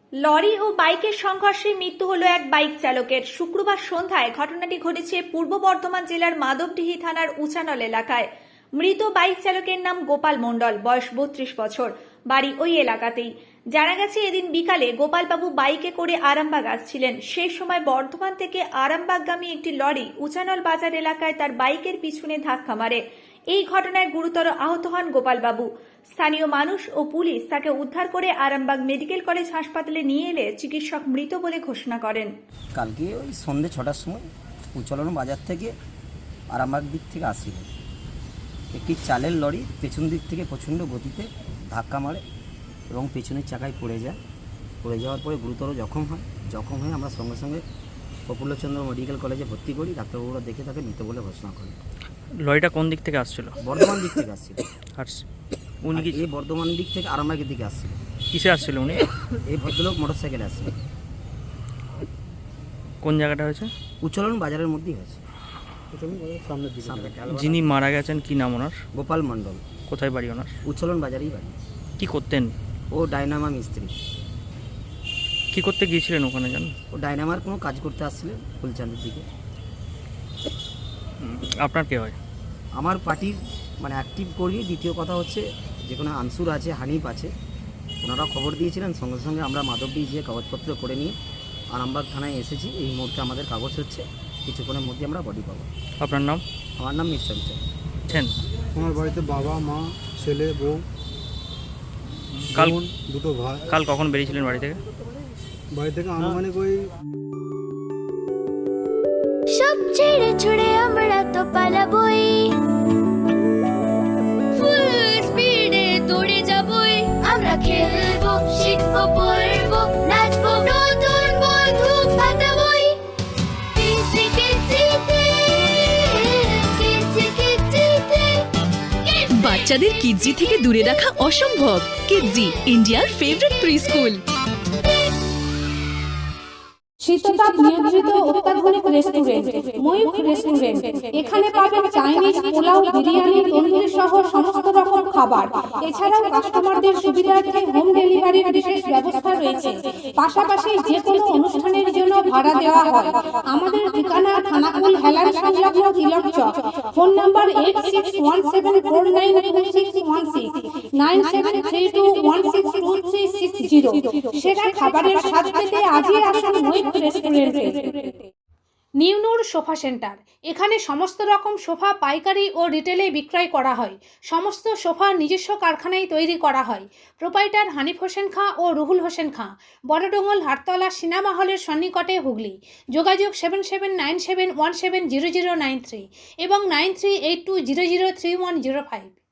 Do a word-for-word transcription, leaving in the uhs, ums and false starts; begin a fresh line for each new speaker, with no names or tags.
Lorry ও বাইকের সংঘর্ষে মৃত্যু হলো এক বাইক চালকের। শুক্রবার সন্ধ্যায় ঘটনাটি ঘটেছে পূর্ব বর্ধমান জেলার মাধবডিহি থানার উচানল এলাকায়। মৃত বাইক চালকের নাম গোপাল মণ্ডল, বয়স বত্রিশ বছর, বাড়ি ওই এলাকাতেই। জানা গেছে এদিন বিকালে গোপালবাবু বাইকে করে আরামবাগ আসছিলেন। সেই সময় বর্ধমান থেকে আরামবাগগামী একটি লরি উচানল বাজার এলাকায় তার বাইকের পিছনে ধাক্কা মারে। এই ঘটনায় গুরুতর আহত হন গোপালবাবু। স্থানীয় মানুষ ও পুলিশ তাকে উদ্ধার করে আরামবাগ মেডিকেল কলেজ হাসপাতালে নিয়ে এলে চিকিৎসক মৃত বলে ঘোষণা করেন।
কালকে ওই সন্ধ্যে ছটার সময় উচলন বাজার থেকে আরামবাগ দিক থেকে আসছিল একটি চালের লরি পেছন দিক থেকে প্রচণ্ড গতিতে ধাক্কা মারে এবং পেছনের চাকায় পড়ে যায়। পড়ে যাওয়ার পরে গুরুতর জখম হয়। জখম হয়ে আমরা সঙ্গে সঙ্গে প্রফুল্লচন্দ্র মেডিকেল কলেজে ভর্তি করি। ডাক্তারবাবুরা দেখে তাকে মৃত বলে ঘোষণা করেন।
লরিটা কোন দিক থেকে আসছিল?
বর্ধমান দিক থেকে আসছিল।
আর উনি কি
এই বর্ধমান দিক থেকে আরামবাগের দিকে আসছিল।
কিসে আসছিল উনি?
এই ভদ্রলোক মোটর সাইকেলে আসছিল।
কোন জায়গাটা হয়েছে?
উচলন বাজারের মধ্যেই হয়েছে।
যিনি মারা গেছেন কি নাম ওনার?
গোপাল মণ্ডল।
কোথায় বাড়ি ওনার?
উচলন বাজারেই বাড়ি।
কি করতেন?
ও ডাইনামা মিস্ত্রি।
কি করতে গিয়েছিলেন ওখানে জানেন?
ও ডাইনামার কোনো কাজ করতে আসছিলেন ফুলচাঁদের দিকে।
আপনার কে হয়?
আমার পার্টির মানে অ্যাক্টিভ কর্মী। দ্বিতীয় কথা হচ্ছে যে কোনো আনসুর আছে, হানিফ আছে, ওনারা খবর দিয়েছিলেন। সঙ্গে সঙ্গে আমরা মাধবডি গিয়ে কাগজপত্র করে নিয়ে আরামবাগ থানায় এসেছি। এই মুহূর্তে আমাদের কাগজ হচ্ছে, কিছুক্ষণের মধ্যে আমরা বডি পাবো।
আপনার নাম?
আমার নাম মিস্টার বিচার।
আমার বাড়িতে বাবা, মা, ছেলে, বউ,
কাল
বোন, দুটো ভাই।
কাল কখন বেরিয়েছিলেন বাড়ি থেকে?
বাড়ি থেকে আনুমানিক ওই
সব ছেড়ে ছুড়ে আমরা তো পালাবই, ফুল স্পিডে দৌড়ে যাবই। আমরা খেলবো, শিখবো, পড়বো, নাচবো, নতুন বন্ধু পাতাবই। কিচি কিচিতে, কিচি কিচিতে।
বাচ্চাদের কিডজি থেকে দূরে রাখা অসম্ভব। কিডজি, ইন্ডিয়ার ফেভারিট প্রি স্কুল।
শীততাপ নিয়ন্ত্রিত অত্যাধুনিক রেস্টুরেন্ট ময়ূখ রেস্টুরেন্ট। এখানে পাবেন চাইনিজ, পোলাও, বিরিয়ানি, তন্দুরি সহ সমস্ত রকম খাবার। এছাড়াও কাস্টমারদের সুবিধার্থে হোম ডেলিভারির বিশেষ ব্যবস্থা রয়েছে। পাশাপাশি যে কোনো অনুষ্ঠানের জন্য ভাড়া দেওয়া হয়। আমাদের ঠিকানা থানাকুল হেলান সংলগ্ন Tilak Chak. Phone number eight six one seven four nine two six one six, nine seven three two one six two three six zero. সেরা খাবারের স্বাদ পেতে আজই আসুন ময়ূখ রেস্টুরেন্টে। New Noor sofa centre. এখানে সমস্ত রকম সোফা পাইকারি ও রিটেলে বিক্রয় করা হয়। সমস্ত সোফা নিজস্ব কারখানায় তৈরি করা হয়। প্রোপাইটার হানিফ হোসেন খাঁ ও রুহুল হোসেন খাঁ, বড়ডোঙ্গল হাটতলা সিনেমা হলের সন্নিকটে, হুগলি। যোগাযোগ seven seven nine seven one seven zero zero nine three এবং nine three eight two zero zero three one zero five.